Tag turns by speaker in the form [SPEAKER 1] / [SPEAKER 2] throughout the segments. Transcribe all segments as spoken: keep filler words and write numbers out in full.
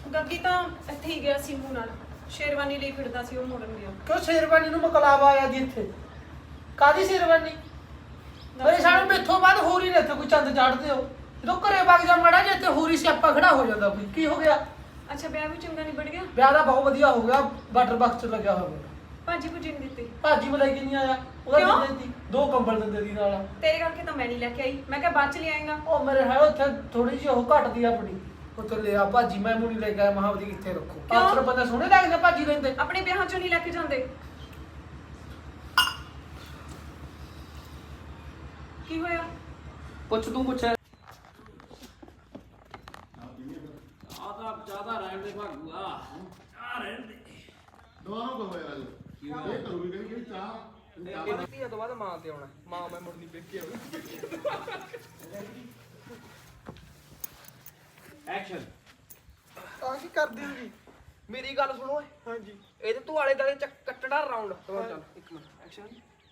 [SPEAKER 1] ਗੱਗੀ ਤਾਂ ਇੱਥੇ ਹੀ ਗਿਆ ਸਿੰਮੂ ਨਾਲ ਸ਼ੇਰਵਾਨੀ ਲਈ ਫਿਰਦਾ ਸੀ ਉਹ ਮੋੜਨ ਗਿਆ।
[SPEAKER 2] ਕਿਉਂ ਸ਼ੇਰਵਾਨੀ ਨੂੰ ਮਕਲਾਵਾ ਆਇਆ ਜੀ ਇੱਥੇ? ਕਾਦੀ ਸ਼ੇਰਵਾਨੀ? ਮੇਰੇ ਸਾਹਮਣੇ ਮੈਥੋਂ ਬਾਅਦ ਹੋਰ ਹੀ ਨੇ ਇੱਥੇ ਕੋਈ ਚੰਦ ਚਾੜਦੇ ਹੋ। ਜਦੋਂ ਘਰੇ ਵਗ ਜਾ ਮੜਾ ਜੇ ਇੱਥੇ ਹੋਰ ਹੀ ਸਿਆਪਾ ਖੜਾ ਹੋ ਜਾਂਦਾ ਕੋਈ। ਕੀ ਹੋ ਗਿਆ?
[SPEAKER 1] ਅੱਛਾ ਵਿਆਹ ਵੀ ਚੰਗਾ ਨਹੀਂ ਬੜ ਗਿਆ?
[SPEAKER 2] ਵਿਆਹ ਦਾ ਬਹੁਤ ਵਧੀਆ ਹੋ ਗਿਆ, ਵਾਟਰ ਬਾਕਸ ਚ ਲੱਗਿਆ ਹੋਇਆ।
[SPEAKER 1] ਭਾਜੀ ਭੁਜੀ ਨਹੀਂ ਦਿੱਤੀ?
[SPEAKER 2] ਭਾਜੀ ਮਲਾਈ ਕਿ ਨਹੀਂ ਆਇਆ, ਉਹਦਾ ਦਿੰਦੇ ਸੀ ਦੋ ਕੰਬਲ ਦਿੰਦੇ ਦੀ ਨਾਲ।
[SPEAKER 1] ਤੇਰੇ ਕਰਕੇ ਤਾਂ ਮੈਂ ਨਹੀਂ ਲੈ ਕੇ ਆਈ, ਮੈਂ ਕਿਹਾ ਬਾਅਦ ਚ ਲੈ ਆਏਗਾ।
[SPEAKER 2] ਉਹ ਮੇਰੇ ਹੈ ਉੱਥੇ ਥੋੜੀ ਜਿਹੀ ਉਹ ਘਟਦੀ ਆ ਆਪਣੀ, ਉੱਥੇ ਲਿਆ ਭਾਜੀ ਮੈਂ ਮੁੜੀ ਲੈ ਕੇ ਆਇਆ ਮਹਾਵਦੀ ਕਿੱਥੇ ਰੱਖੋ। ਆਖਰ ਬੰਦਾ ਸੋਹਣੇ ਲੱਗਦੇ ਭਾਜੀ ਲੈਂਦੇ,
[SPEAKER 1] ਆਪਣੇ ਵਿਆਹਾਂ ਚੋਂ ਨਹੀਂ ਲੈ ਕੇ ਜਾਂਦੇ। ਕੀ ਹੋਇਆ?
[SPEAKER 3] ਪੁੱਛ ਤੂੰ ਪੁੱਛ। ਆ ਤਾਂ ਜ਼ਿਆਦਾ ਰਹਿਣ ਦੇ ਭਾਗੂਆ, ਆ ਰਹਿਣ ਦੇ।
[SPEAKER 4] ਦੋਨੋਂ ਕੋ ਹੋਇਆ ਜੀ ਇਹ ਕਰੂਗੀ ਕਿ ਕਿ ਚਾਹ
[SPEAKER 3] ਧੀਆ ਤੋਂ ਬਾਅਦ ਮਾਂ ਤੇ ਆਉਣਾ, ਮਾਂ ਮੈਂ ਮੁੜਨੀ ਪੇਕੇ ਆਉਣਾ। ਐਕਸ਼ਨ।
[SPEAKER 2] ਆ ਕੀ ਕਰਦੇ ਹੋ ਜੀ?
[SPEAKER 3] ਮੇਰੀ ਗੱਲ ਸੁਣੋ ਓਏ।
[SPEAKER 2] ਹਾਂਜੀ
[SPEAKER 3] ਇਹਦੇ ਤੂੰ ਆਲੇ ਦਾਲੇ ਚੱਕ ਕੱਟੜਾ ਰਾਉਂਡ। ਚੱਲ ਇੱਕ ਮਿੰਟ ਐਕਸ਼ਨ।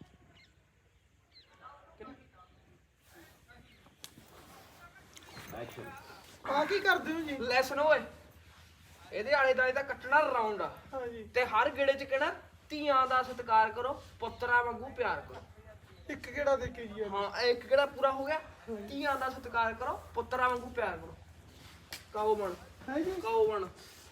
[SPEAKER 3] ਐਕਸ਼ਨ।
[SPEAKER 2] ਆ ਕੀ ਕਰਦੇ ਹੋ ਜੀ?
[SPEAKER 3] ਲੈ ਸੁਣੋ ਓਏ, ਇਹਦੇ ਆਲੇ ਦਾਲੇ ਦਾ ਕੱਟਣਾ ਰਾਉਂਡ ਆ
[SPEAKER 2] ਹਾਂਜੀ
[SPEAKER 3] ਤੇ ਹਰ ਗੇੜੇ ਚ ਕਹਿਣਾ ਧੀਆਂ ਦਾ ਸਤਿਕਾਰ ਕਰੋ, ਪੁੱਤਰਾਂ ਵਾਂਗੂ ਪਿਆਰ ਕਰੋ।
[SPEAKER 2] ਇੱਕ ਕਿਹੜਾ ਦੇ ਕੇ ਜੀ?
[SPEAKER 3] ਹਾਂ ਇੱਕ ਕਿਹੜਾ ਪੂਰਾ ਹੋ ਗਿਆ? ਧੀਆਂ ਦਾ ਸਤਿਕਾਰ ਕਰੋ, ਪੁੱਤਰਾਂ ਵਾਂਗੂ ਪਿਆਰ ਕਰੋ। ਕਾਓ ਬਣ,
[SPEAKER 2] ਹੈ ਜੀ
[SPEAKER 3] ਕਾਓ ਬਣ।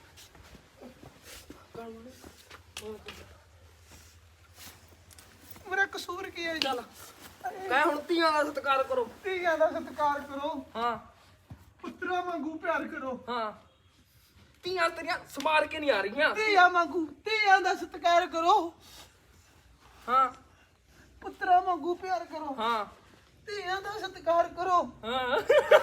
[SPEAKER 2] ਮੇਰਾ ਕਸੂਰ ਕੀ ਹੈ ਜੀ?
[SPEAKER 3] ਚੱਲ ਕਹਿ ਹੁਣ ਧੀਆਂ ਦਾ ਸਤਿਕਾਰ ਕਰੋ।
[SPEAKER 2] ਧੀਆਂ ਦਾ ਸਤਿਕਾਰ ਕਰੋ,
[SPEAKER 3] ਹਾਂ
[SPEAKER 2] ਪੁੱਤਰਾਂ ਵਾਂਗੂ ਪਿਆਰ ਕਰੋ।
[SPEAKER 3] ਹਾਂ ਧੀਆਂ ਤੇਰੀਆਂ ਸਮਾਰ ਕੇ ਨਹੀਂ ਆ ਰਹੀਆਂ।
[SPEAKER 2] ਧੀਆਂ ਵਾਂਗੂ ਧੀਆਂ ਦਾ ਸਤਿਕਾਰ ਕਰੋ,
[SPEAKER 3] ਹਾਂ
[SPEAKER 2] ਪੁੱਤਰਾਂ ਵਾਂਗੂ ਪਿਆਰ ਕਰੋ।
[SPEAKER 3] ਹਾਂ
[SPEAKER 2] ਧੀਆਂ ਦਾ ਸਤਿਕਾਰ ਕਰੋ।
[SPEAKER 3] ਹਾਂ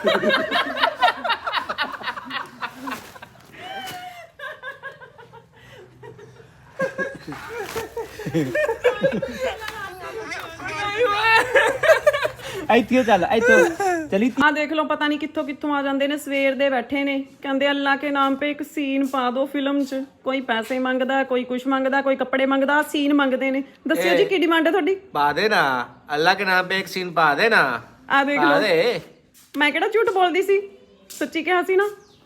[SPEAKER 5] ਇੱਥੇ ਚੱਲ ਇੱਥੇ ਚਲੀ।
[SPEAKER 1] ਆ ਦੇਖ ਲਓ ਪਤਾ ਨਹੀਂ ਕਿੱਥੋਂ ਕਿੱਥੋਂ ਆ ਜਾਂਦੇ ਨੇ, ਸਵੇਰ ਦੇ ਬੈਠੇ ਨੇ, ਕਹਿੰਦੇ ਅੱਲਾ ਕੇ ਨਾਮ पे ਇੱਕ ਸੀਨ ਪਾ ਦਿਓ ਫਿਲਮ 'ਚ। ਕੋਈ ਪੈਸੇ ਮੰਗਦਾ, ਕੋਈ ਕੁਛ ਮੰਗਦਾ, ਕੋਈ ਕੱਪੜੇ ਮੰਗਦਾ, ਸੀਨ ਮੰਗਦੇ ਨੇ। ਦੱਸਿਓ ਜੀ ਕੀ ਡਿਮਾਂਡ ਹੈ ਤੁਹਾਡੀ?
[SPEAKER 6] पा देना अल्लाह के नाम पे एक सीन पा देना।
[SPEAKER 1] ਆ ਦੇਖ
[SPEAKER 6] पा
[SPEAKER 1] ਲਓ,
[SPEAKER 6] दे।
[SPEAKER 1] ਮੈਂ ਕਿਹੜਾ ਝੂਠ ਬੋਲਦੀ ਸੀ, ਸੱਚੀ ਕਿਹਾ ਸੀ ਨਾ।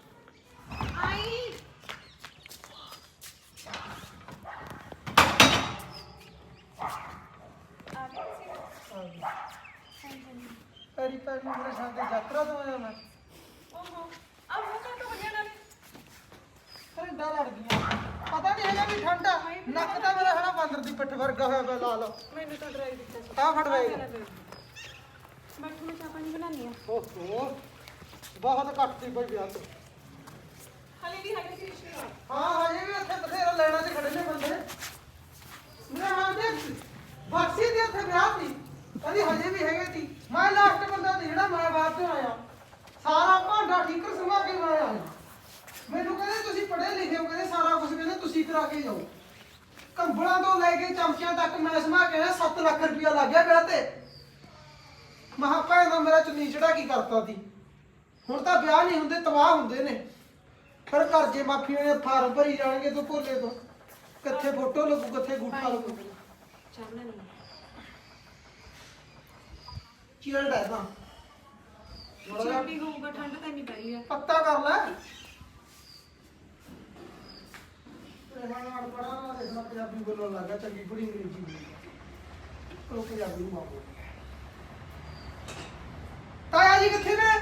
[SPEAKER 2] ਪੈਰੀ ਪੈਰ ਨੂੰ ਮੇਰੇ ਸਾਥ ਯਾਤਰਾ ਤੋਂ ਆਇਆ ਮੈਂ।
[SPEAKER 1] ਓਹੋ ਆ ਮੂੰਹ ਕਾਹ ਤੋਂ ਬੰਨਿਆ ਨਾਲੇ?
[SPEAKER 2] ਠੰਡਾ ਲੜ ਗਈਆਂ, ਪਤਾ ਨਹੀਂ ਹੈਗਾ ਵੀ ਠੰਡਾ। ਨੱਕ ਤਾਂ ਮੇਰਾ ਹਨਾ ਬਾਂਦਰ ਦੀ ਪਿੱਠ ਵਰਗਾ ਹੋਇਆ ਪਿਆ ਲਾਲ।
[SPEAKER 1] ਮੈਨੂੰ ਤਾਂ ਡਰਾਈ ਦਿੱਤਾ ਸੀ।
[SPEAKER 2] ਆ ਫੜ ਵੇ।
[SPEAKER 1] ਬੈਠੋ ਮੈਂ ਚਾਹ ਪਾਣੀ ਬਣਾਉਣੀ ਆ।
[SPEAKER 2] ਓਹੋ ਬਹੁਤ ਘੱਟਦੀ ਪਈ ਵਿਆਹ ਤੋਂ।
[SPEAKER 1] ਹਲੇ ਵੀ ਹੈਗੇ ਸੀ ਰਿਸ਼ਤੇ?
[SPEAKER 2] ਹਾਂ ਹਜੇ ਵੀ ਉੱਥੇ ਬਥੇਰਾ ਲੈਣਾ ਤੇ ਖੜੇ ਨੇ ਬੰਦੇ। ਮੇਰਾ ਹਾਂ ਦੇ ਬਾਕਸੀ ਦੇ ਉੱਥੇ ਵਿਆਹ ਸੀ, ਕਹਿੰਦੀ ਹਜੇ ਵੀ ਹੈਗੇ ਸੀ। ਮੈਂ ਲਾਸਟ ਬੰਦਾ ਸੀ ਜਿਹੜਾ ਮੈਂ ਬਾਅਦ ਚੋਂ ਆਇਆ। ਸਾਰਾ ਭਾਂਡਾ ਠੀਕਰ ਸਮਾ ਕੇ ਮੈਂ ਆਇਆ। ਮੈਨੂੰ ਕਹਿੰਦੇ ਤੁਸੀਂ ਪੜ੍ਹੇ ਲਿਖੇ ਹੋ, ਕਹਿੰਦੇ ਸਾਰਾ ਕੁਝ ਕਹਿੰਦੇ ਤੁਸੀਂ ਕਰਾ ਕੇ ਜਾਓ। ਕੰਬਲਾਂ ਤੋਂ ਲੈ ਕੇ ਚਮਚਿਆਂ ਤੱਕ ਮੈਂ ਸਮਾ ਕੇ ਆਇਆ। ਸੱਤ ਲੱਖ ਰੁਪਇਆ ਲੱਗ ਗਿਆ ਵਿਆਹ ਤੇ। ਮਹਾ ਭੈਣ ਦਾ ਮੇਰਾ ਚੁੰਨੀ ਚੜਾ ਕੀ ਕਰਤਾ ਸੀ। ਹੁਣ ਤਾਂ ਵਿਆਹ ਨਹੀਂ ਹੁੰਦੇ, ਤਬਾਹ ਹੁੰਦੇ ਨੇ। ਫਿਰ ਕਰਜ਼ੇ ਮਾਫੀਆਂ ਦੇ ਫਾਰਮ ਭਰੀ ਜਾਣਗੇ ਤੂੰ ਭੋਲੇ ਤੋਂ। ਕਿੱਥੇ ਫੋਟੋ ਲੱਗੂ, ਕਿੱਥੇ ਗੂਠਾ ਲੱਗੂ।
[SPEAKER 1] ਚਾਹ ਬਣਾਉਣੀ ਆ।
[SPEAKER 2] ਚਿਲਡ ਹੈ ਤਾਂ
[SPEAKER 1] ਚਿਲਡੀ ਹੋਊਗਾ, ਠੰਡ ਤਾਂ ਨਹੀਂ ਪੈ ਰਹੀ ਆ।
[SPEAKER 2] ਪੱਤਾ ਕਰ ਲੈ। ਰਹਿਣਾ ਪੜਾ ਨਾ ਦੇਖਣਾ, ਪੰਜਾਬੀ ਬੋਲਣ ਲੱਗਾ ਚੰਗੀ ਬੜੀ ਅੰਗਰੇਜ਼ੀ ਬੋਲਦੀ। ਉਹ ਪੰਜਾਬੀ ਨੂੰ ਮਾਰ ਬੋਲਦੀ। ਤਾਇਆ ਜੀ ਕਿੱਥੇ ਨੇ?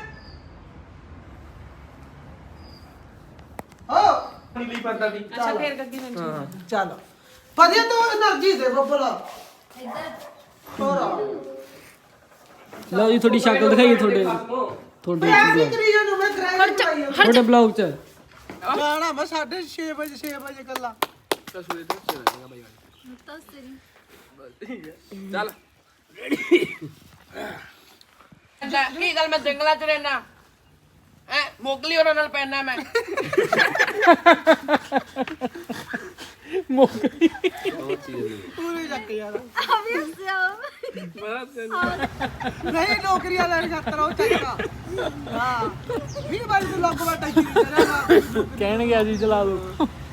[SPEAKER 2] ਹੋ
[SPEAKER 3] ਨੀਲੀ ਪਰਦਾ ਦੀ।
[SPEAKER 1] ਅੱਛਾ ਫੇਰ ਗੱਗੀ ਮੈਨੂੰ
[SPEAKER 2] ਚੱਲ ਵਧੀਆ ਤੂੰ એનર્ਜੀ ਦੇ ਬੱਬਲਾ। ਹੋਰ
[SPEAKER 5] ਲਓ ਜੀ ਤੁਹਾਡੀ ਸ਼ਕਲ ਦਿਖਾਈਏ ਤੁਹਾਡੇ ਤੁਹਾਡੇ
[SPEAKER 2] ਮੈਂ ਨਹੀਂ ਕਰੀ ਜਾਨੂੰ, ਮੈਂ ਗ੍ਰੈਂਡ ਕਰਾਈ ਆ।
[SPEAKER 5] ਤੁਹਾਡੇ ਬਲੌਗ 'ਚ।
[SPEAKER 2] ਜਾਣਾ ਮੈਂ ਸਾਢੇ ਛੇ ਵਜੇ ਛੇ ਵਜੇ ਕੱਲਾ।
[SPEAKER 3] ਚੱਲ ਕੀ ਗੱਲ ਮੈਂ ਜੰਗਲਾਂ 'ਚ ਰਹਿਣਾ ਐ, ਮੋਗਲੀ ਉਹਨਾਂ ਨਾਲ ਪੈਣਾ ਮੈਂ।
[SPEAKER 5] ਮੋਗਲੀ
[SPEAKER 2] ਪੂਰੇ ਚੱਕ ਯਾਰ। ਨਹੀਂ ਨੌਕਰੀਆਂ ਲੈਣ ਖਾਤਰ ਉਹ ਚੱਕਾ। ਹਾਂ ਵੀਹ ਵਾਰੀ ਤੂੰ ਲੱਗ ਬੈਠਾ ਕੀ ਕਰਾਂਗਾ।
[SPEAKER 5] ਕਹਿਣ ਗਿਆ ਜੀ ਚਲਾ ਦੋ।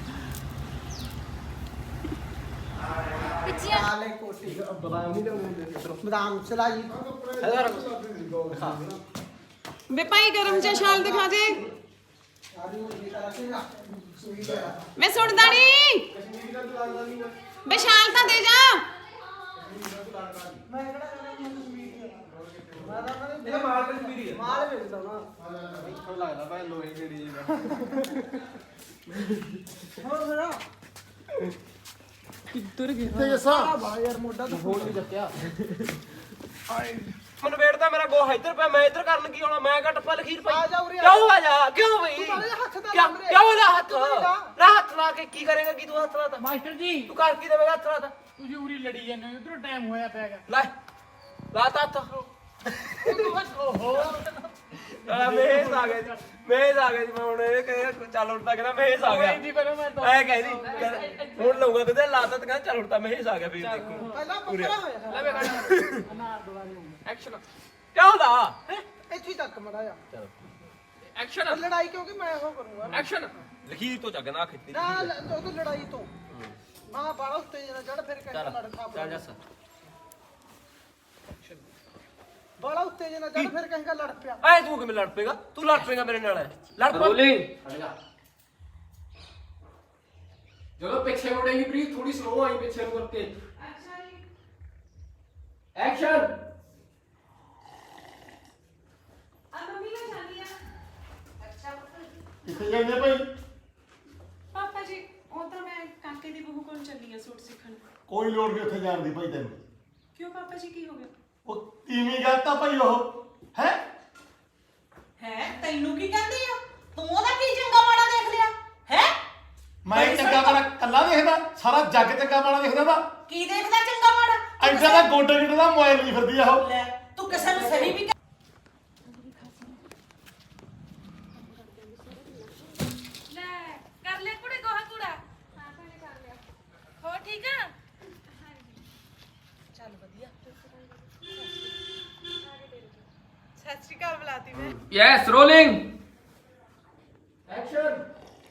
[SPEAKER 2] ਆਲੇ ਕੋਟੀ ਬਦਾਮ ਨਹੀਂ ਲਿਆਉਂਦੇ, ਬਦਾਮ ਚਲਾ ਜੀ।
[SPEAKER 1] ਵੇ ਭਾਈ ਗਰਮ ਜਿਹਾ ਸ਼ਾਲ ਦਿਖਾ ਦੇ।
[SPEAKER 2] ਸਾਰੀ ਉਹ ਜੀ ਕਰਾ ਕੇ ਨਾ ਸੂਈ ਦੇ
[SPEAKER 1] ਮੈਂ ਸੁਣਦਾ ਨਹੀਂ ਵਿਸ਼ਾਲ ਤਾਂ ਦੇ ਜਾ।
[SPEAKER 2] ਮੈਂ ਕਿਹੜਾ ਕਹਿੰਦਾ ਮੈਂ ਕਸ਼ਮੀਰੀ ਆ ਮੈਂ ਤਾਂ ਕਹਿੰਦਾ ਇਹ ਮਾਲ ਕਸ਼ਮੀਰੀ ਆ ਮਾਲ ਵੇਚਦਾ ਨਾ
[SPEAKER 3] ਮੈਨੂੰ ਲੱਗਦਾ ਭਾਈ ਲੋਹੇ ਜਿਹੜੀ ਜੀ
[SPEAKER 2] ਹੋਰ ਮੇਰਾ
[SPEAKER 1] ਕਿੱਧਰ ਗਿਆ
[SPEAKER 4] ਤੇ ਜੱਸਾ
[SPEAKER 2] ਬਾ ਯਾਰ ਮੋਢਾ ਤਾਂ
[SPEAKER 3] ਫੋਨ ਨਹੀਂ ਚੱਕਿਆ ਮੈਨੂੰ ਵੇੜਦਾ ਮੇਰਾ ਗੋਹਾ ਇੱਧਰ ਪਿਆ ਮੈਂ ਇੱਧਰ ਕਰਨ ਕੀ ਆਉਣਾ ਮੈਂ ਘੱਟ ਪਾ ਲਖੀਰ ਪਈ
[SPEAKER 2] ਆ ਜਾ ਉਰੇ ਆ।
[SPEAKER 3] ਕਿਉਂ ਆ ਜਾ ਕਿਉਂ ਬਈ
[SPEAKER 2] ਤੂੰ ਮਾਰੇ ਹੱਥ ਦਾ
[SPEAKER 3] ਕਿਉਂ
[SPEAKER 2] ਲਾ ਮੇਰੇ।
[SPEAKER 3] ਕਿਉਂ ਲਾ ਹੱਥ
[SPEAKER 2] ਤੂੰ ਲਾ।
[SPEAKER 3] ਨਾ ਹੱਥ ਲਾ ਕੇ ਕੀ ਕਰੇਗਾ ਕੀ ਤੂੰ ਹੱਥ ਲਾਤਾ
[SPEAKER 5] ਮਾਸਟਰ ਜੀ
[SPEAKER 3] ਤੂੰ ਕਰ ਕੀ ਦੇਵੇਂਗਾ ਹੱਥ ਲਾਤਾ
[SPEAKER 5] ਤੁਸੀਂ ਉਰੀ ਲੜੀ ਜਾਂਦੇ ਹੋ ਉਧਰੋਂ ਟਾਈਮ ਹੋਇਆ ਪਿਆਗਾ।
[SPEAKER 3] ਲੈ ਲਾਤਾ ਹੱਥ ਓਹੋ ਆ ਮੇਜ਼ ਆ ਗਿਆ ਜੀ ਮੇਜ਼ ਆ ਗਿਆ ਜੀ ਮੈਂ ਹੁਣ ਇਹ ਕਹੇ ਚੱਲ ਉੱਠਦਾ ਕਹਿੰਦਾ ਮੇਜ਼ ਆ ਗਿਆ
[SPEAKER 5] ਜੀ ਪਹਿਲਾਂ ਮੈਂ
[SPEAKER 3] ਐ ਕਹਿੰਦੀ ਹੁਣ ਲਊਗਾ ਕਿਤੇ ਲਾਤਾ ਤੇ ਕਹਿੰਦਾ ਚੱਲ ਉੱਠਦਾ ਮੇਜ਼ ਆ ਗਿਆ ਫਿਰ ਦੇਖੋ
[SPEAKER 2] ਪਹਿਲਾਂ ਪੱਕਾ ਹੋਇਆ
[SPEAKER 3] ਲੈ ਵੇ ਐਕਸ਼ਨ ਕਿਉਂ ਦਾ
[SPEAKER 2] ਇੱਥੇ ਹੀ ਤੱਕ ਮੜਾ ਜਾ
[SPEAKER 3] ਐਕਸ਼ਨ
[SPEAKER 2] ਲੜਾਈ ਕਿਉਂਕਿ ਮੈਂ ਉਹ ਕਰੂੰਗਾ
[SPEAKER 3] ਐਕਸ਼ਨ ਲਖੀਰ ਤੋਂ ਚੱਗਣਾ ਖਿੱਤੀ
[SPEAKER 2] ਨਾ ਉਹ ਤਾਂ ਲੜਾਈ ਤੋਂ ਮਾਂ ਬਾਲਾ ਉੱਤੇ ਜਣਾ ਚੜ ਫਿਰ ਕਹਿੰਦਾ ਲੜ ਖਾ
[SPEAKER 3] ਚੱਲ ਜਾ ਸਰ
[SPEAKER 2] ਬਾਲਾ ਉੱਤੇ ਜਣਾ ਚੜ ਫਿਰ ਕਹਿੰਦਾ ਲੜ ਪਿਆ
[SPEAKER 3] ਐ ਤੂੰ ਕਿਵੇਂ ਲੜ ਪੇਗਾ ਤੂੰ ਲੜ ਪੇਗਾ ਮੇਰੇ ਨਾਲ ਲੜ ਪਾ
[SPEAKER 7] ਜਦੋਂ ਪਿੱਛੇ ਮੁੜੇਗੀ ਪ੍ਰੀਤ ਥੋੜੀ ਸਲੋ ਆਈ ਪਿੱਛੇ ਨੂੰ ਕਰਕੇ
[SPEAKER 1] ਅੱਛਾ ਜੀ।
[SPEAKER 7] ਐਕਸ਼ਨ
[SPEAKER 1] ਆ ਮੰਮੀ ਮੈਂ ਜਾਂਦੀ ਆ। ਅੱਛਾ
[SPEAKER 4] ਕਿੱਥੇ ਜਾਂਦੇ ਭਾਈ?
[SPEAKER 1] ਪਾਪਾ ਜੀ ਉਹ ਤਾਂ ਮੈਂ ਕਾਕੇ ਦੀ ਬਹੂ ਕੋਲ ਚੱਲੀ ਆ ਸੂਟ ਸਿੱਖਣ।
[SPEAKER 4] ਕੋਈ ਲੋੜ ਨਹੀਂ ਉੱਥੇ ਜਾਣ ਦੀ ਭਾਈ ਤੈਨੂੰ।
[SPEAKER 1] ਕਿਉਂ ਪਾਪਾ ਜੀ ਕੀ ਹੋ ਗਿਆ?
[SPEAKER 4] ਉਹ ਤੀਵੀਂ ਗੱਲ ਤਾਂ ਭਾਈ ਉਹ ਹੈ
[SPEAKER 8] ਹੈ ਤੈਨੂੰ ਕੀ ਕਹਿੰਦੀ ਆ ਤੂੰ ਉਹਦਾ ਕੀ ਚੰਗਾ ਮਾੜਾ ਦੇਖ ਲਿਆ ਹੈ
[SPEAKER 4] ਮੈਂ ਚੰਗਾ ਮਾੜਾ ਕੱਲਾ ਦੇਖਦਾ, ਸਾਰਾ ਜੱਗ ਚੰਗਾ ਮਾੜਾ ਦੇਖਦਾ ਵਾ।
[SPEAKER 8] ਕੀ ਦੇਖਦਾ ਚੰਗਾ ਮਾੜਾ ਤੂੰ
[SPEAKER 4] ਐਡਾ ਦਾ ਗੋਡੇ ਗਿੱਟੇ ਦਾ ਮੋਬਾਈਲ ਨਹੀਂ ਫਿਰਦੀ ਆ ਉਹ।
[SPEAKER 8] ਲੈ ਤੂੰ ਕਿਸੇ ਨੂੰ ਸਹੀ ਵੀ
[SPEAKER 9] ਲੈ ਕਰ ਲੈ ਕੁੜੇ ਗੋਹਾ ਕੂੜਾ ਹਾਂ ਭੈਣੇ ਕਰ ਲਿਆ ਹੋ ਠੀਕ ਆ
[SPEAKER 8] ਚੱਲ ਵਧੀਆ
[SPEAKER 9] ਸਤਿ ਸ਼੍ਰੀ ਅਕਾਲ ਬੁਲਾਤੀ ਮੈਂ
[SPEAKER 7] ਯੈਸ ਰੋਲਿੰਗ ਐਕਸ਼ਨ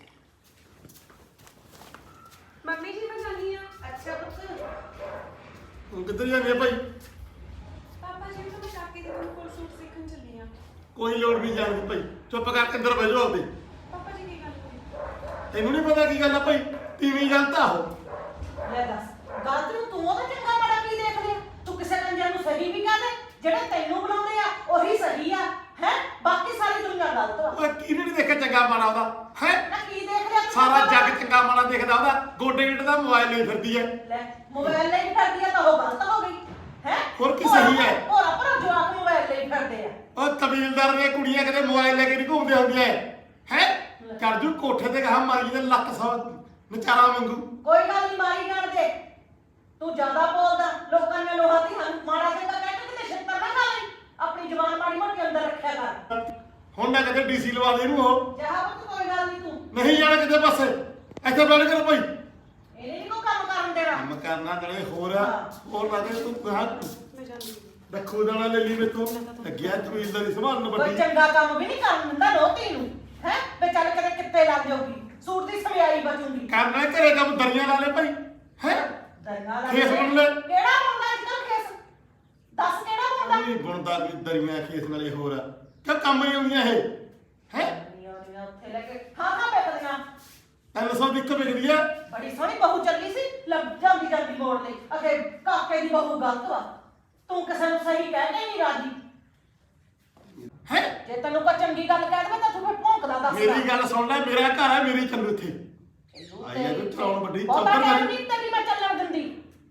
[SPEAKER 1] ਮੰਮੀ ਜੀ ਮੈਂ ਜਾਂਦੀ ਆ।
[SPEAKER 8] ਅੱਛਾ ਪੁੱਤ
[SPEAKER 4] ਤੂੰ ਕਿੱਧਰ ਜਾਂਦੀ ਆ ਭਾਈ?
[SPEAKER 1] ਪਾਪਾ ਜੀ ਮੈਂ ਕਾਕੇ ਦੀ ਬਹੂ ਕੋਲ ਸੂਟ ਸਿੱਖਣ ਚੱਲੀ ਆ।
[SPEAKER 4] ਕੋਈ ਲੋੜ ਨਹੀਂ ਜਾਣ ਦੀ ਭਾਈ, ਚੁੱਪ ਕਰਕੇ ਅੰਦਰ ਬਹਿ ਜਾਓ ਆਪਦੇ।
[SPEAKER 1] ਪਾਪਾ ਜੀ ਕੀ ਗੱਲ ਹੋਈ?
[SPEAKER 4] ਤੈਨੂੰ ਨਹੀਂ ਪਤਾ ਕੀ ਗੱਲ ਆ ਭਾਈ? ਤੀਵੀਂ ਗੱਲ ਤਾਂ ਉਹ।
[SPEAKER 8] ਲੈ ਦੱਸ ਗਲਤ ਨੂੰ ਤੂੰ ਉਹਦਾ ਚੰਗਾ ਮਾੜਾ ਕੀ ਦੇਖ ਲਿਆ ਤੂੰ ਕਿਸੇ ਕੰਜਰ ਨੂੰ ਸਹੀ ਵੀ ਕਹਦੇ ਜਿਹੜੇ ਤੈਨੂੰ ਬੁਲਾਉਂਦੇ ਆ ਉਹੀ ਸਹੀ ਆ ਹੈ ਬਾਕੀ ਸਾਰੀ ਦੁਨੀਆ ਗਲਤ ਵਾ
[SPEAKER 4] ਉਹ ਕਿਹਨੇ ਨਹੀਂ ਦੇਖਿਆ ਚੰਗਾ ਮਾੜਾ ਉਹਦਾ ਹੈ?
[SPEAKER 8] ਨਾ ਕੀ ਦੇਖ ਲਿਆ ਤੂੰ
[SPEAKER 4] ਸਾਰਾ
[SPEAKER 8] ਚੰਗਾ
[SPEAKER 4] ਜੱਗ ਚੰਗਾ ਮਾੜਾ ਦੇਖਦਾ ਉਹਦਾ, ਗੋਡੇ ਗਿੱਟੇ ਦਾ ਮੋਬਾਈਲ ਲਈ ਫਿਰਦੀ ਐ।
[SPEAKER 8] ਲੈ ਮੋਬਾਈਲ ਲਈ ਫਿਰਦੀ ਆ ਤਾਂ ਉਹ ਗਲਤ ਹੋ ਗਈ ਹੈ
[SPEAKER 4] ਹੋਰ ਕੀ ਸਹੀ ਹੈ?
[SPEAKER 8] ਹੋਰ ਆਪਣਾ ਜਵਾਕ ਮੋਬਾਈਲ ਲਈ ਫਿਰਦੇ ਆ
[SPEAKER 4] ਉਹ ਕਬੀਲਦਾਰ ਦੀਆਂ ਕੁੜੀਆਂ ਕਿਤੇ ਮੋਬਾਈਲ ਲੈ ਕੇ ਨਹੀਂ ਘੁੰਮਦੇ ਹੁੰਦੀਆਂ ਹੈ। ਕਰ ਜੂ ਕੋਠੇ ਤੇ ਕਹਾ ਮਾਰੀ ਦੇ ਲੱਕ ਸੌ ਨਚਾਰਾ ਵਾਂਗੂ।
[SPEAKER 8] ਕੋਈ ਗੱਲ ਨਹੀਂ ਮਾਰੀ ਜਾਣ ਦੇ ਤੂੰ ਜ਼ਿਆਦਾ ਬੋਲਦਾ ਲੋਕਾਂ ਨੇ ਲੋਹਾ ਦੀ ਹੰਨ ਮਾੜਾ ਚੰਗਾ ਕਹਿ ਕੇ ਕਿਤੇ ਛਿੱਤਰ ਨਾ ਖਾ ਲਈ ਆਪਣੀ ਜ਼ੁਬਾਨ ਮਾੜੀ ਮੋਟੀ ਅੰਦਰ ਰੱਖਿਆ ਕਰ
[SPEAKER 4] ਹੁਣ ਨਾ ਕਿਤੇ ਡੀਸੀ ਲਵਾ ਦੇ ਇਹਨੂੰ ਉਹ।
[SPEAKER 8] ਜਹਾ ਪੁੱਤ ਕੋਈ ਗੱਲ ਨਹੀਂ ਤੂੰ
[SPEAKER 4] ਨਹੀਂ ਜਾਣਾ ਕਿਤੇ ਪਾਸੇ, ਇੱਥੇ ਬੈਠ ਕਰ ਭਾਈ।
[SPEAKER 8] ਇਹਨੇ ਨਹੀਂ ਕੋਈ ਕੰਮ ਕਰਨ ਦੇਣਾ
[SPEAKER 4] ਕੰਮ ਕਰਨਾ ਨਾਲੇ ਹੋਰ ਆ, ਹੋਰ ਨਾ ਦੇ ਤੂੰ ਕਹਾ
[SPEAKER 1] ਮੈਂ ਜਾਂਦੀ ਆ।
[SPEAKER 4] ਰੱਖੋ ਦਾਣਾ ਲੈ ਲਈ ਮੇਤੋਂ ਲੱਗਿਆ ਕਬੀਲਦਾਰੀ ਸੰਭਾਲਣ
[SPEAKER 8] ਕੋਈ
[SPEAKER 4] ਵੱਡੀ।
[SPEAKER 8] ਚੰਗਾ ਕੰਮ ਵੀ ਨਹੀਂ ਕਰਨ ਦਿੰਦਾ ਲੋਤੀ ਨੂੰ ਹੈ ਵੇ ਚੱਲ ਕਦੇ ਕਿੱਤੇ ਲੱਗ ਜਾਊਗੀ ਸੂਟ ਦੀ ਸਵਿਆਈ ਬਚੂਗੀ
[SPEAKER 4] ਕਰਨਾ ਘਰੇ ਕੰਮ ਦਰੀਆਂ ਲਾ ਲੈ ਭਾਈ ਹੈ।
[SPEAKER 8] ਦਰਨਾ ਲੱਗ
[SPEAKER 4] ਖੇਸ ਬੁਣ ਲੈ।
[SPEAKER 8] ਕਿਹੜਾ ਮੁੰਡਾ ਅੱਜ ਕੱਲ ਖੇਸ ਦੱਸ ਕਿਹੜਾ ਮੁੰਡਾ
[SPEAKER 4] ਨਹੀਂ ਬਣਦਾ ਵੀ ਦਰੀਆਂ ਖੇਸ ਨਾਲੇ ਹੋਰ ਆ ਕਿ ਕੰਮ ਨਹੀਂ ਆਉਂਦੀਆਂ ਇਹ ਹੈ।
[SPEAKER 8] ਨੀਆਂ ਉੱਥੇ ਲੈ ਕੇ ਖਾ ਖਾ ਬੈਠਦੀਆਂ
[SPEAKER 4] ਤਿੰਨ ਸੌ ਦੀ ਇੱਕ ਵਿਕਦੀ ਆ।
[SPEAKER 8] ਬੜੀ ਸੋਹਣੀ ਬਹੂ ਚੱਲੀ ਸੀ ਲੱਭ ਜਾਂਦੀ ਜਾਂਦੀ ਮੋੜ ਲਈ ਅਖੇ ਕਾਕੇ ਦੀ ਬਹੂ ਗਲਤ ਵਾ ਤੂੰ ਕਿਸੇ ਨੂੰ ਸਹੀ ਕਹਿ ਕੇ ਨਹੀਂ ਰਾਜੀ
[SPEAKER 4] ਹੈ।
[SPEAKER 8] ਜੇ ਤੈਨੂੰ ਕੋਈ ਚੰਗੀ ਗੱਲ ਕਹਿ ਦੇਵੇ ਤਾਂ ਤੂੰ ਫਿਰ ਭੌਂਕਦਾ ਦੱਸ
[SPEAKER 4] ਮੇਰੀ ਗੱਲ ਸੁਣ ਲੈ, ਮੇਰਾ ਘਰ ਹੈ, ਮੇਰੀ ਚੱਲੂ ਇੱਥੇ। ਆਈ ਆ ਤੂੰ ਚਲਾਉਣ ਵੱਡੀ
[SPEAKER 8] ਬਹੁਤਾ
[SPEAKER 4] ਚੌਧਰ
[SPEAKER 8] ਟਾਈਮ
[SPEAKER 4] ਵਾਲੀ।
[SPEAKER 8] ਨਹੀਂ ਤੇਰੀ ਮੈਂ ਚੱਲਣ ਦਿੰਦੀ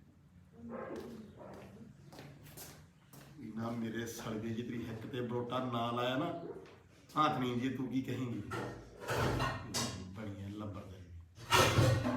[SPEAKER 4] ਨਾ ਮੇਰੇ ਸੜਗੇ ਜੀ ਤੇਰੀ ਹਿੱਕ ਤੇ ਬਰੋਟਾ ਨਾ ਲਾਇਆ ਨਾ ਹੱਥ ਨਹੀਂ ਜੀ ਤੂੰ ਕੀ ਕਹੇਂਗੀ ਬੜੀਆਂ ਲੱਭਰ ਦੇ।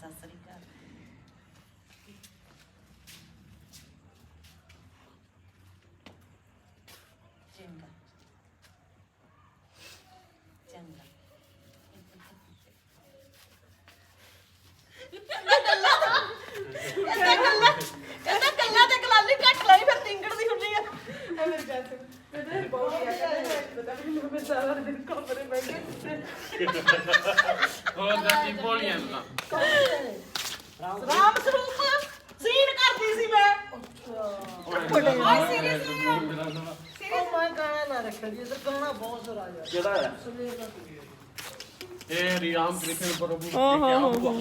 [SPEAKER 8] ਸਤਿ ਸ੍ਰੀ ਅਕਾਲ। ਚੰਗਾ ਚੰਗਾ। ਕਹਿੰਦਾ ਗੱਲਾਂ ਕਹਿੰਦਾ ਗੱਲਾਂ ਤੇ ਕਲਾਲੀ ਘੱਟ ਲੈਣੀ ਫਿਰ ਤਿੰਗੜ ਦੀ ਹੁੰਦੀ ਆ।
[SPEAKER 7] ਹੋਰ ਦੱਸੀ ਬੋਲੀਆਂ ਨਾ
[SPEAKER 8] ਰਾਮ ਸਰੂਪ ਸੀਨ ਕਰਦੀ ਸੀ ਮੈਂ।
[SPEAKER 9] ਓਏ ਸੀਰੀਅਸਲੀ
[SPEAKER 2] ਉਹ ਮੈਂ ਗਾਣਾ ਨਾ ਰੱਖਿਆ ਜੀ ਇਹ ਗਾਣਾ ਬਹੁਤ ਸਾਰਾ ਯਾਰ
[SPEAKER 3] ਕਿਹੜਾ ਹੈ
[SPEAKER 7] ਇਹ ਰਿਆਮ ਕ੍ਰਿਸ਼ਨ ਪ੍ਰਭੂ
[SPEAKER 1] ਓ ਹੋ ਹੋ ਹੋ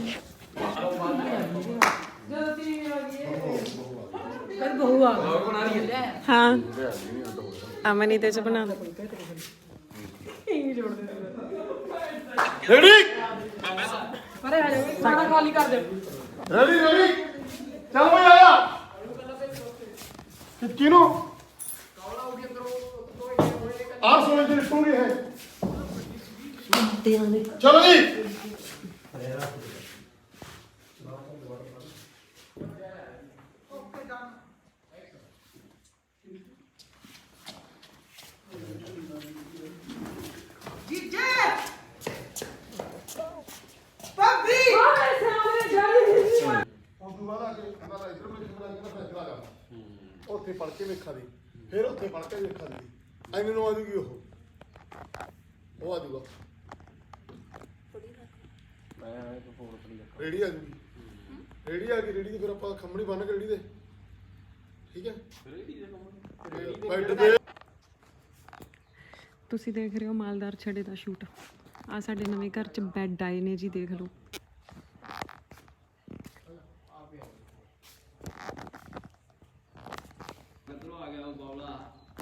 [SPEAKER 1] ਹਾਂ ਅਮਨੀ ਤੇ ਚ ਬਣਾ ਦੋ
[SPEAKER 4] ਰੈਡੀ
[SPEAKER 1] ਸਾਡਾ ਖਾਲੀ ਕਰ ਦੇ
[SPEAKER 4] ਰੈਡੀ ਰੈਡੀ ਚੱਲ ਬਈ ਆਇਆ ਕਿ ਕਿਨੂੰ ਆਹ ਸੋਨੇ ਦੀ ਟੂੰਗੀ ਹੈ ਚਲੋ ਜੀ
[SPEAKER 2] ਜੀਜੇ ਭਾਬੀ
[SPEAKER 4] ਉਸ ਤੋਂ ਬਾਅਦ ਆ ਕੇ ਕਹਿੰਦਾ ਲਾ ਇਧਰ ਮੈਂ ਕਿਹੜਾ ਕਿਹੜਾ ਫੈਸਲਾ ਕਰ ਉੱਥੇ ਪੜ ਕੇ ਵੇਖਾ ਦੀ ਫਿਰ ਉੱਥੇ ਪੜ ਕੇ ਵੇਖਾ ਦੀ ਐਵੇਂ ਨੂੰ ਆ ਜੂਗੀ ਉਹ ਉਹ ਆ ਜੂਗਾ ਰੇੜੀ ਆ ਜੂਗੀ ਰੇੜੀ ਆ ਗਈ ਰੇੜੀ ਤੇ ਫਿਰ ਆਪਾਂ ਖੰਮਣੀ ਬੰਨ ਕੇ ਰੇੜੀ ਦੇ ਠੀਕ ਹੈ ਰੇੜੀ ਦੇ ਖੰਮਣੀ ਬੈਠ ਦੇ
[SPEAKER 1] ਤੁਸੀਂ ਦੇਖ ਰਹੇ ਹੋ ਮਾਲਦਾਰ ਛੜੇ ਦਾ ਸ਼ੂਟ ਆ ਸਾਡੇ ਨਵੇਂ ਘਰ ਚ ਬੈੱਡ ਆਏ ਨੇ ਜੀ ਦੇਖ ਲਓ
[SPEAKER 7] ਕਿੱਧਰੋਂ ਆ ਗਿਆ ਉਹ ਬੌਲਾ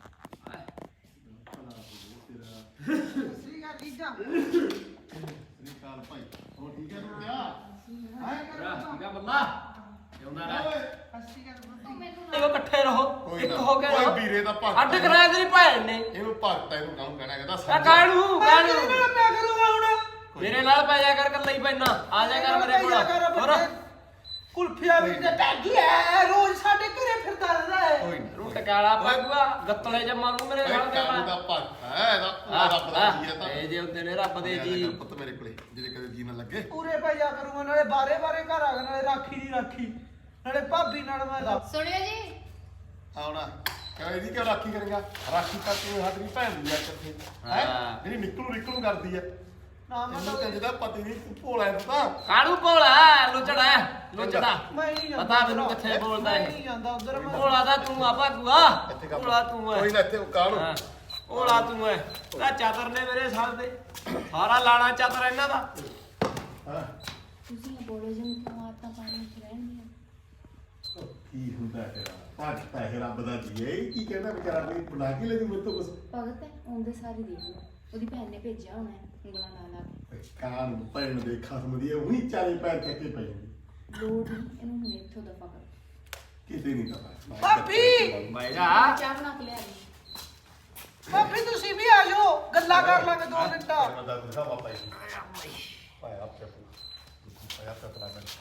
[SPEAKER 2] ਸ੍ਰੀ ਅਕਾਲ ਜੀਜਾ
[SPEAKER 4] ਨਿਕਾਲ ਭਾਈ ਹੋ ਠੀਕ ਹੈ ਤੂੰ ਕਿਆ
[SPEAKER 7] ਠੀਕ ਆ ਬੱਲਾ ਜਿਉਂਦਾ ਰਹਿ
[SPEAKER 2] ਸ੍ਰੀ ਅਕਾਲ ਭਾਬੀ
[SPEAKER 3] ਇਹੋ ਇਕੱਠੇ ਰਹੋ
[SPEAKER 4] ਕੋਈ
[SPEAKER 3] ਇੱਕ
[SPEAKER 4] ਨਾ
[SPEAKER 3] ਹੋ ਕੇ
[SPEAKER 4] ਓਏ
[SPEAKER 3] ਰਹੋ
[SPEAKER 4] ਵੀਰੇ ਦਾ ਭਗਤ
[SPEAKER 3] ਅੱਡ ਕਰਾਇਆ ਤੇਰੀ ਭੈਣ ਨੇ
[SPEAKER 4] ਇਹਨੂੰ ਭਗਤ ਇਹਨੂੰ ਕੰਮ ਕਹਿਣਾ ਕਹਿੰਦਾ
[SPEAKER 3] ਆ
[SPEAKER 4] ਸਮਝ
[SPEAKER 3] ਕਾਹਨੂੰ
[SPEAKER 2] ਮੈਂ
[SPEAKER 3] ਕਾਹਨੂੰ
[SPEAKER 2] ਮੈਂ ਕਰੂੰਗਾ ਹੁਣ
[SPEAKER 3] ਮੇਰੇ ਨਾਲ ਪੈ ਜਾ ਕਰ ਕੱਲਾ ਹੀ ਪੈਣਾ ਆ ਜਾ ਕਰ ਮੇਰੇ ਕੋਲ ਹੋਰ
[SPEAKER 2] ਕੁਲਫੀਆ ਵੀ ਤੇ ਟੈਗੀ ਐ ਰੋਜ਼ ਸਾਡੇ ਘਰੇ ਫਿਰਦਾ ਰਹਿੰਦਾ ਹੈ
[SPEAKER 4] ਕੋਈ ਨਾ
[SPEAKER 3] ਰੂ ਟਕਾਲਾ ਪਾਗੂਆ ਗੱਤਲੇ ਜਮਾ ਨੂੰ ਮੇਰੇ ਨਾਲ ਦੇ
[SPEAKER 4] ਕਾਨੂੰ ਦਾ ਭਗਤ ਹੈ ਇਹਦਾ ਪੂਰਾ ਰੱਬ ਦਾ ਜੀ ਹੈ ਤਾਂ
[SPEAKER 3] ਇਹ ਜੇ ਹੁੰਦੇ ਨੇ ਰੱਬ ਦੇ ਜੀ
[SPEAKER 4] ਪੁੱਤ ਮੇਰੇ ਕੋਲੇ ਜਿਹੜੇ ਕਦੇ ਜੀ ਨਾ ਲੱਗੇ
[SPEAKER 2] ਪੂਰੇ ਪੈ ਜਾ ਕਰੂੰਗਾ ਨਾਲੇ ਬਾਰੇ ਬਾਰੇ ਘਰ ਆ ਨਾਲੇ ਰਾਖੀ ਦੀ ਰਾਖੀ ਨਾਲੇ ਭਾਬੀ ਨਾਲ ਮੈਂ ਲੱਗ
[SPEAKER 9] ਸੁਣਿਓ ਜੀ
[SPEAKER 4] ਆਉਣਾ ਕਹਿੰਦਾ ਇਹਦੀ ਕਿਉਂ ਰਾਖੀ ਕਰੇਗਾ ਰਾਖੀ ਤਾਂ ਤੂੰ ਸਾਡੀ ਭੈਣ ਦੀ ਆ ਕਿੱਥੇ ਹੈ
[SPEAKER 3] ਹਾਂ।
[SPEAKER 4] ਜਿਹੜੀ ਨਿਕਲੂ ਨਿਕਲੂ ਕਰਦੀ ਆ
[SPEAKER 2] ਨਾ ਮੈਂ
[SPEAKER 4] ਇਹਨੂੰ ਕਹਿੰਦੇ ਦਾ ਪਤੀ ਨਹੀਂ ਤੂੰ ਭੋਲਾ ਹੈ ਪਤਾ
[SPEAKER 3] ਕਾਹਨੂੰ ਭੋਲਾ ਲੁੱਚੜਾ ਲੁੱਚੜਾ
[SPEAKER 2] ਮੈਂ ਨਹੀਂ ਜਾਂਦਾ
[SPEAKER 3] ਪਤਾ ਮੈਨੂੰ ਕਿੱਥੇ ਬੋਲਦਾ
[SPEAKER 2] ਮੈਂ
[SPEAKER 3] ਇਹ
[SPEAKER 2] ਨਹੀਂ ਜਾਂਦਾ ਉਧਰ ਮੈਂ
[SPEAKER 3] ਭੋਲਾ ਦਾ ਤੂੰ ਆ ਭਾਗੂਆ
[SPEAKER 4] ਇੱਥੇ ਕੰਮ
[SPEAKER 3] ਭੋਲਾ ਤੂੰ ਐ
[SPEAKER 4] ਕੋਈ ਨਾ ਇੱਥੇ ਕਾਹਨੂੰ
[SPEAKER 3] ਹਾਂ ਭੋਲਾ ਤੂੰ ਐ ਆ ਚਾਦਰ ਨੇ ਮੇਰੇ ਸਾਲ ਦੇ ਸਾਰਾ ਲਾਣਾ ਚਾਦਰ ਇਹਨਾਂ ਦਾ
[SPEAKER 4] ਹਾਂ
[SPEAKER 9] ਤੁਸੀਂ ਬੋਲੋ ਜੀ ਕਿਉਂ ਆਤਾਂ ਪਾਣੀ ਵਿੱਚ ਰਹਿੰਦੀਆਂ
[SPEAKER 4] ਕੀ ਹੁੰਦਾ ਤੇਰਾ ਭਗਤ ਤਾਂ ਇਹ ਰੱਬ ਦਾ ਜੀ ਹੈ ਇਹ ਕੀ ਕਹਿੰਦਾ ਵਿਚਾਰਾ ਨੇ ਬੁਲਾ ਕੇ ਲੈਦੀ ਮੇਰੇ ਤੋਂ ਕੁਛ
[SPEAKER 9] ਭਗਤ ਹੈ ਉਹਦੇ ਸਾਰੇ ਦੇਖ ਲਓ ਉਹਦੀ ਭੈਣ ਨੇ ਭੇਜਿਆ ਹੋਣਾ ਹੈ ਉਂਗਲਾਂ ਲਾ ਲਾ ਕੇ
[SPEAKER 4] ਕਾਂ ਭੈਣ ਦੇ ਖਸਮ ਦੀ ਉਹੀ ਚਾਰੇ ਪੈਰ ਚੱਕੇ ਪੈ ਜਾਂਦੀ
[SPEAKER 9] ਲੋੜ ਨਹੀਂ ਇਹਨੂੰ ਹੁਣ ਇੱਥੋਂ ਦਫਾ ਕਰ
[SPEAKER 4] ਕਿਤੇ ਨਹੀਂ ਕਰਦਾ
[SPEAKER 2] ਭਾਬੀ
[SPEAKER 3] ਬਹਿ ਜਾ
[SPEAKER 9] ਚਾਹ ਬਣਾ ਕੇ ਲਿਆ ਦੇ
[SPEAKER 2] ਭਾਬੀ ਤੁਸੀਂ ਵੀ ਆ ਜਾਓ ਗੱਲਾਂ ਕਰ ਲਾਂਗੇ ਦੋ ਮਿੰਟਾਂ
[SPEAKER 4] ਮੈਂ ਤਾਂ ਦਿਖਾ ਬਾਬਾ ਜੀ ਪਾਇਆ ਆਪ ਚੱਪ ਪਾਇਆ ਆਪ ਚੱਪ ਲਾ ਮੈਂ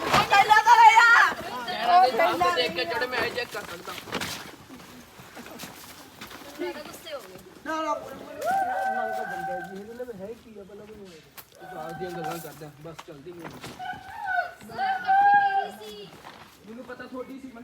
[SPEAKER 3] ਦੇਖ ਕੇ ਜਿਹੜੇ ਮੈਂ ਚੈੱਕ ਕਰ ਸਕਦਾ
[SPEAKER 2] ਨਾ ਨਾ
[SPEAKER 5] ਦੀਆਂ ਗੱਲਾਂ ਕਰਦਾ ਬਸ ਚਲਦੀ ਨਹੀਂ ਮੈਨੂੰ ਪਤਾ ਥੋੜੀ ਸੀ ਮੈਂ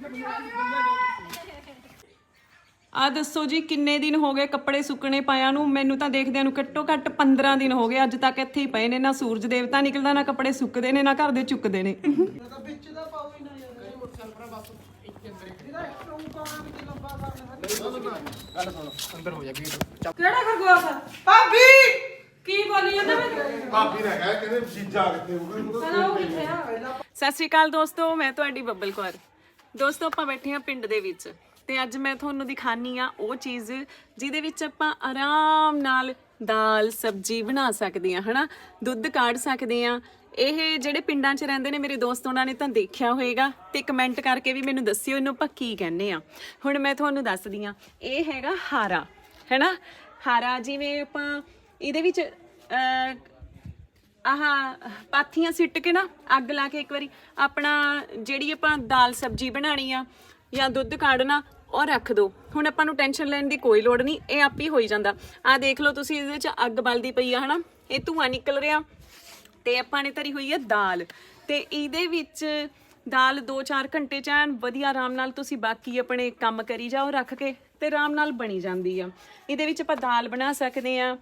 [SPEAKER 1] ਆ ਦੱਸੋ ਜੀ ਕਿੰਨੇ ਦਿਨ ਹੋ ਗਏ ਕੱਪੜੇ ਸੁੱਕਣੇ ਪਾਇਆ ਨੂੰ ਮੈਨੂੰ ਤਾਂ ਦੇਖਦਿਆਂ ਨੂੰ ਘੱਟੋ ਘੱਟ ਪੰਦਰਾਂ ਦਿਨ ਹੋ ਗਏ ਅੱਜ ਤੱਕ ਇੱਥੇ ਹੀ ਪਏ ਨੇ ਨਾ ਸੂਰਜ ਦੇਵਤਾ ਨਿਕਲਦਾ ਨਾ ਕੱਪੜੇ ਸੁੱਕਦੇ ਨੇ ਨਾ ਘਰ ਦੇ ਚੁੱਕਦੇ ਨੇ
[SPEAKER 2] ਤਾਂ ਵਿੱਚ ਦਾ ਪਾਉ ਹੀ ਨਾ ਯਾਰ ਮੋਟਰਸਾਈਕਲ ਪਰ ਬਸ ਇੱਕ ਅੰਦਰ ਇਹਦਾ ਐਕਸਟਰਾ ਪਾਉਣਾ ਵੀ ਲੰਬਾ ਕਰਨਾ
[SPEAKER 7] ਗੱਲ ਸੁਣ ਅੰਦਰ ਹੋ ਜਾ ਗੇਟ
[SPEAKER 1] ਕਿਹੜਾ ਖਰਗੋਸ਼
[SPEAKER 2] ਭਾਬੀ
[SPEAKER 1] ਕੀ ਬੋਲੀ ਜਾਂਦਾ ਮੈਂ
[SPEAKER 4] ਭਾਬੀ ਨੇ ਕਿਹਾ ਕਹਿੰਦੇ ਜੀਜਾ ਕਿੱਥੇ ਹੋਊਗਾ
[SPEAKER 1] ਸਤਿ ਸ਼੍ਰੀ ਅਕਾਲ ਦੋਸਤੋ ਮੈਂ ਤੁਹਾਡੀ ਬੱਬਲ ਕੌਰ ਦੋਸਤੋ ਆਪਾਂ ਬੈਠੇ ਹਾਂ ਪਿੰਡ ਦੇ ਵਿੱਚ ਤੇ ਅੱਜ ਮੈਂ ਤੁਹਾਨੂੰ ਦਿਖਾਨੀ ਆ ਉਹ ਚੀਜ਼ ਜਿਹਦੇ ਵਿੱਚ ਆਪਾਂ ਆਰਾਮ ਨਾਲ ਦਾਲ ਸਬਜ਼ੀ ਬਣਾ ਸਕਦੇ ਆ ਹਨਾ ਦੁੱਧ ਕਾੜ ਸਕਦੇ ਆ ਇਹ ਜਿਹੜੇ ਪਿੰਡਾਂ 'ਚ ਰਹਿੰਦੇ ਨੇ ਮੇਰੇ ਦੋਸਤ ਉਹਨਾਂ ਨੇ ਤਾਂ ਦੇਖਿਆ ਹੋਏਗਾ ਤੇ ਕਮੈਂਟ ਕਰਕੇ ਵੀ ਮੈਨੂੰ ਦੱਸਿਓ ਇਹਨੂੰ ਆਪਾਂ ਕੀ ਕਹਿੰਦੇ ਆ ਹੁਣ ਮੈਂ ਤੁਹਾਨੂੰ ਦੱਸਦੀ ਆ ਇਹ ਹੈਗਾ ਹਾਰਾ ਹੈਨਾ ਹਾਰਾ ਜਿਵੇਂ ਆਪਾਂ ਇਹਦੇ ਵਿੱਚ ਆਹ ਪਾਥੀਆਂ ਸਿੱਟ ਕੇ ਨਾ ਅੱਗ ਲਾ ਕੇ ਇੱਕ ਵਾਰੀ ਆਪਣਾ ਜਿਹੜੀ ਆਪਾਂ ਦਾਲ ਸਬਜ਼ੀ ਬਣਾਣੀ ਆ ਜਾਂ ਦੁੱਧ ਕਾੜਨਾ ਉਹ ਰੱਖ ਦੋ। ਹੁਣ ਆਪਾਂ ਨੂੰ ਟੈਨਸ਼ਨ ਲੈਣ ਦੀ ਕੋਈ ਲੋੜ ਨਹੀਂ, ਇਹ ਆਪ ਹੀ ਹੋਈ ਜਾਂਦਾ। ਆਹ ਦੇਖ ਲਓ ਤੁਸੀਂ, ਇਹਦੇ 'ਚ ਅੱਗ ਬਲਦੀ ਪਈ ਆ ਹਨਾ, ਇਹ ਧੂੰਆਂ ਨਿਕਲ ਰਿਹਾ ਤੇ ਆਪਾਂ ਨੇ ਧਰੀ ਹੋਈ ਆ ਦਾਲ, ਤੇ ਇਹਦੇ ਵਿੱਚ ਦਾਲ ਦੋ ਚਾਰ ਘੰਟੇ ਚ ਐਨ ਵਧੀਆ ਆਰਾਮ ਨਾਲ ਤੁਸੀਂ ਬਾਕੀ ਆਪਣੇ ਕੰਮ ਕਰੀ ਜਾਓ ਰੱਖ ਕੇ, ਤੇ ਆਰਾਮ ਨਾਲ ਬਣੀ ਜਾਂਦੀ ਆ। ਇਹਦੇ ਵਿੱਚ ਆਪਾਂ ਦਾਲ ਬਣਾ ਸਕਦੇ ਆ,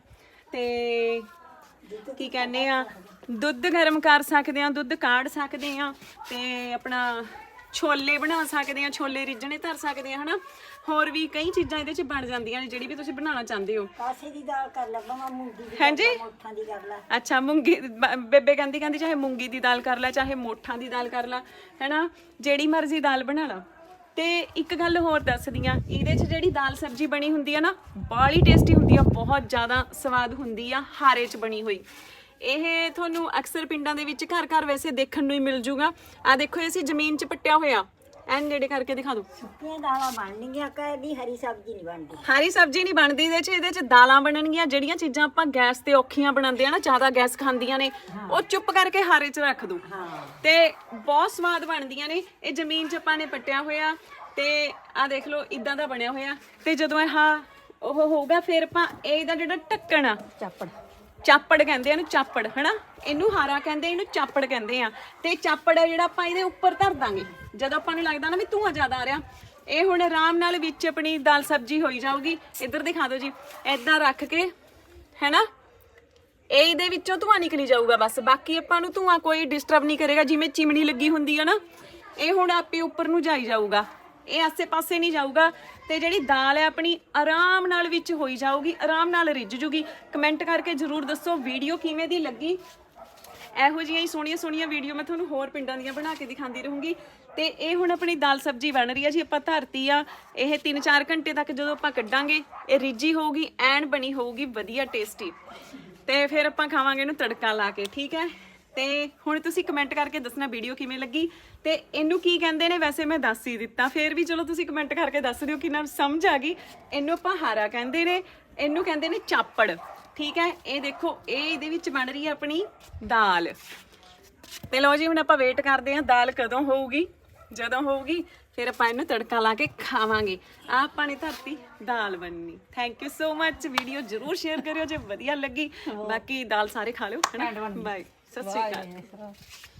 [SPEAKER 1] ਤੇ ਕੀ ਕਹਿੰਦੇ ਆ ਦੁੱਧ ਗਰਮ ਕਰ ਸਕਦੇ ਆ, ਦੁੱਧ ਕਾੜ ਸਕਦੇ ਆ, ਤੇ ਆਪਣਾ ਛੋਲੇ ਬਣਾ ਸਕਦੇ ਆ, ਛੋਲੇ ਰਿੱਝਣੇ ਧਰ ਸਕਦੇ ਆ ਹਨਾ। ਹੋਰ ਵੀ ਕਈ ਚੀਜ਼ਾਂ ਇਹਦੇ ਚ ਬਣ ਜਾਂਦੀਆਂ ਨੇ ਜਿਹੜੀ ਵੀ ਤੁਸੀਂ ਬਣਾਉਣਾ ਚਾਹੁੰਦੇ ਹੋ।
[SPEAKER 8] ਕਾਸੇ ਦੀ ਦਾਲ ਕਰ ਲੈ ਭਾਵੇਂ ਮੂੰਗੀ ਦੀ
[SPEAKER 1] ਹਾਂਜੀ
[SPEAKER 8] ਮੋਠਾਂ ਦੀ ਕਰ ਲੈ।
[SPEAKER 1] ਅੱਛਾ ਮੂੰਗੀ ਬ- ਬੇਬੇ ਕਹਿੰਦੀ ਕਹਿੰਦੀ ਚਾਹੇ ਮੂੰਗੀ ਦੀ ਦਾਲ ਕਰ ਲੈ ਚਾਹੇ ਮੋਠਾਂ ਦੀ ਦਾਲ ਕਰ ਲੈ ਹੈਨਾ, ਜਿਹੜੀ ਮਰਜ਼ੀ ਦਾਲ ਬਣਾ ਲਾ। ਤੇ ਇੱਕ ਗੱਲ ਹੋਰ ਦੱਸਦੀ ਆ, ਇਹਦੇ 'ਚ ਜਿਹੜੀ ਦਾਲ ਸਬਜ਼ੀ ਬਣੀ ਹੁੰਦੀ ਆ ਨਾ ਬਾਹਲੀ ਟੇਸਟੀ ਹੁੰਦੀ ਆ, ਬਹੁਤ ਜ਼ਿਆਦਾ ਸਵਾਦ ਹੁੰਦੀ ਆ ਹਾਰੇ 'ਚ ਬਣੀ ਹੋਈ। ਇਹ ਤੁਹਾਨੂੰ ਅਕਸਰ ਪਿੰਡਾਂ ਦੇ ਵਿੱਚ ਘਰ ਘਰ ਵੈਸੇ ਦੇਖਣ ਨੂੰ ਹੀ ਮਿਲ ਜੂਗਾ। ਆ ਦੇਖੋ ਅਸੀਂ ਜ਼ਮੀਨ 'ਚ ਪੱਟਿਆ ਹੋਇਆ, ਐਨ ਨੇੜੇ ਕਰਕੇ ਦਿਖਾ ਦਿਓ।
[SPEAKER 8] ਸੁੱਕੀਆਂ ਦਾਲਾਂ ਬਣਨਗੀਆਂ, ਕਦੀ ਹਰੀ ਸਬਜ਼ੀ ਨਹੀਂ ਬਣਦੀ।
[SPEAKER 1] ਹਰੀ ਸਬਜ਼ੀ ਨਹੀਂ ਬਣਦੀ ਇਹਦੇ 'ਚ, ਇਹਦੇ 'ਚ ਦਾਲਾਂ ਬਣਨਗੀਆਂ। ਜਿਹੜੀਆਂ ਚੀਜ਼ਾਂ ਆਪਾਂ ਗੈਸ ਤੇ ਔਖੀਆਂ ਬਣਾਉਂਦੇ ਆ ਨਾ, ਜ਼ਿਆਦਾ ਗੈਸ ਖਾਂਦੀਆਂ ਨੇ, ਉਹ ਚੁੱਪ ਕਰਕੇ ਹਾਰੇ 'ਚ ਰੱਖ ਦੋ ਤੇ ਬਹੁਤ ਸਵਾਦ ਬਣਦੀਆਂ ਨੇ। ਇਹ ਜ਼ਮੀਨ 'ਚ ਆਪਾਂ ਨੇ ਪੱਟਿਆ ਹੋਇਆ ਤੇ ਆ ਦੇਖ ਲਓ ਇਦਾਂ ਦਾ ਬਣਿਆ ਹੋਇਆ। ਤੇ ਜਦੋਂ ਇਹ ਉਹ ਹੋਊਗਾ ਫਿਰ ਆਪਾਂ ਇਹਦਾ ਜਿਹੜਾ ਢੱਕਣ ਆ
[SPEAKER 8] ਚਾਪੜ
[SPEAKER 1] ਚਾਪੜ ਕਹਿੰਦੇ ਆ ਇਹਨੂੰ, ਚਾਪੜ ਹਨਾ, ਇਹਨੂੰ ਹਾਰਾ ਕਹਿੰਦੇ, ਇਹਨੂੰ ਚਾਪੜ ਕਹਿੰਦੇ ਆ। ਤੇ ਚਾਪੜ ਆ ਜਿਹੜਾ ਆਪਾਂ ਇਹਦੇ ਉੱਪਰ ਧਰ ਦਾਂਗੇ ਜਦੋਂ ਆਪਾਂ ਨੂੰ ਲੱਗਦਾ ਨਾ ਵੀ ਧੂੰਆਂ ਜ਼ਿਆਦਾ ਆ ਰਿਹਾ। ਇਹ ਹੁਣ ਆਰਾਮ ਨਾਲ ਵਿੱਚ ਆਪਣੀ ਦਾਲ ਸਬਜ਼ੀ ਹੋਈ ਜਾਊਗੀ। ਇੱਧਰ ਦਿਖਾ ਦਿਓ ਜੀ, ਏਦਾਂ ਰੱਖ ਕੇ ਹੈਨਾ, ਇਹ ਇਹਦੇ ਵਿੱਚੋਂ ਧੂੰਆਂ ਨਿਕਲੀ ਜਾਊਗਾ ਬਸ। ਬਾਕੀ ਆਪਾਂ ਨੂੰ ਧੂੰਆਂ ਕੋਈ ਡਿਸਟਰਬ ਨਹੀਂ ਕਰੇਗਾ। ਜਿਵੇਂ ਚਿਮਣੀ ਲੱਗੀ ਹੁੰਦੀ ਆ ਨਾ, ਇਹ ਹੁਣ ਆਪੇ ਉੱਪਰ ਨੂੰ ਜਾਈ ਜਾਊਗਾ, ਇਹ ਆਸੇ ਪਾਸੇ ਨਹੀਂ ਜਾਊਗਾ। ਤੇ ਜਿਹੜੀ ਦਾਲ ਹੈ ਆਪਣੀ ਆਰਾਮ ਨਾਲ ਵਿੱਚ ਹੋਈ ਜਾਊਗੀ, ਆਰਾਮ ਨਾਲ ਰਿੱਝ ਜੂਗੀ। ਕਮੈਂਟ ਕਰਕੇ ਜ਼ਰੂਰ ਦੱਸੋ ਵੀਡੀਓ ਕਿਵੇਂ ਦੀ ਲੱਗੀ। ਇਹੋ ਜਿਹੀਆਂ ਹੀ ਸੋਹਣੀਆਂ ਸੋਹਣੀਆਂ ਵੀਡੀਓ ਮੈਂ ਤੁਹਾਨੂੰ ਹੋਰ ਪਿੰਡਾਂ ਦੀਆਂ ਬਣਾ ਕੇ ਦਿਖਾਉਂਦੀ ਰਹੂੰਗੀ। ਤੇ ਇਹ ਹੁਣ ਆਪਣੀ ਦਾਲ ਸਬਜ਼ੀ ਬਣ ਰਹੀ ਆ ਜੀ, ਆਪਾਂ ਧਰਤੀ ਆ। ਇਹ ਤਿੰਨ ਚਾਰ ਘੰਟੇ ਤੱਕ ਜਦੋਂ ਆਪਾਂ ਕੱਢਾਂਗੇ ਇਹ ਰਿੱਝੀ ਹੋਊਗੀ, ਐਨ ਬਣੀ ਹੋਊਗੀ ਵਧੀਆ ਟੇਸਟੀ। ਤੇ ਫਿਰ ਆਪਾਂ ਖਾਵਾਂਗੇ ਇਹਨੂੰ ਤੜਕਾ ਲਾ ਕੇ, ਠੀਕ ਹੈ। ਤੇ ਹੁਣ ਤੁਸੀਂ ਕਮੈਂਟ ਕਰਕੇ ਦੱਸਣਾ ਵੀਡੀਓ ਕਿਵੇਂ ਲੱਗੀ ਤੇ ਇਹਨੂੰ ਕੀ ਕਹਿੰਦੇ ਨੇ। ਵੈਸੇ ਮੈਂ ਦੱਸ ਹੀ ਦਿੱਤਾ, ਫਿਰ ਵੀ ਚਲੋ ਤੁਸੀਂ ਕਮੈਂਟ ਕਰਕੇ ਦੱਸ ਦਿਓ ਕਿੰਨਾ ਸਮਝ ਆ ਗਈ। ਇਹਨੂੰ ਆਪਾਂ ਹਾਰਾ ਕਹਿੰਦੇ ਨੇ, ਇਹਨੂੰ ਕਹਿੰਦੇ ਨੇ ਚਾਪੜ, ਠੀਕ ਹੈ। ਇਹ ਦੇਖੋ ਇਹ ਇਹਦੇ ਵਿੱਚ ਬਣ ਰਹੀ ਹੈ ਆਪਣੀ ਦਾਲ। ਤੇ ਲਓ ਜੀ ਹੁਣ ਆਪਾਂ ਵੇਟ ਕਰਦੇ ਹਾਂ ਦਾਲ ਕਦੋਂ ਹੋਊਗੀ। ਜਦੋਂ ਹੋਊਗੀ ਫਿਰ ਆਪਾਂ ਇਹਨੂੰ ਤੜਕਾ ਲਾ ਕੇ ਖਾਵਾਂਗੇ। ਆ ਆਪਾਂ ਨੇ ਧਰਤੀ ਦਾਲ ਬਣਨੀ। Thank you so much. Video ਜ਼ਰੂਰ ਸ਼ੇਅਰ ਕਰਿਓ ਜੇ ਵਧੀਆ ਲੱਗੀ। ਬਾਕੀ ਦਾਲ ਸਾਰੇ ਖਾ ਲਿਓ, ਬਾਏ, ਸਤਿ ਸ਼੍ਰੀ ਅਕਾਲ।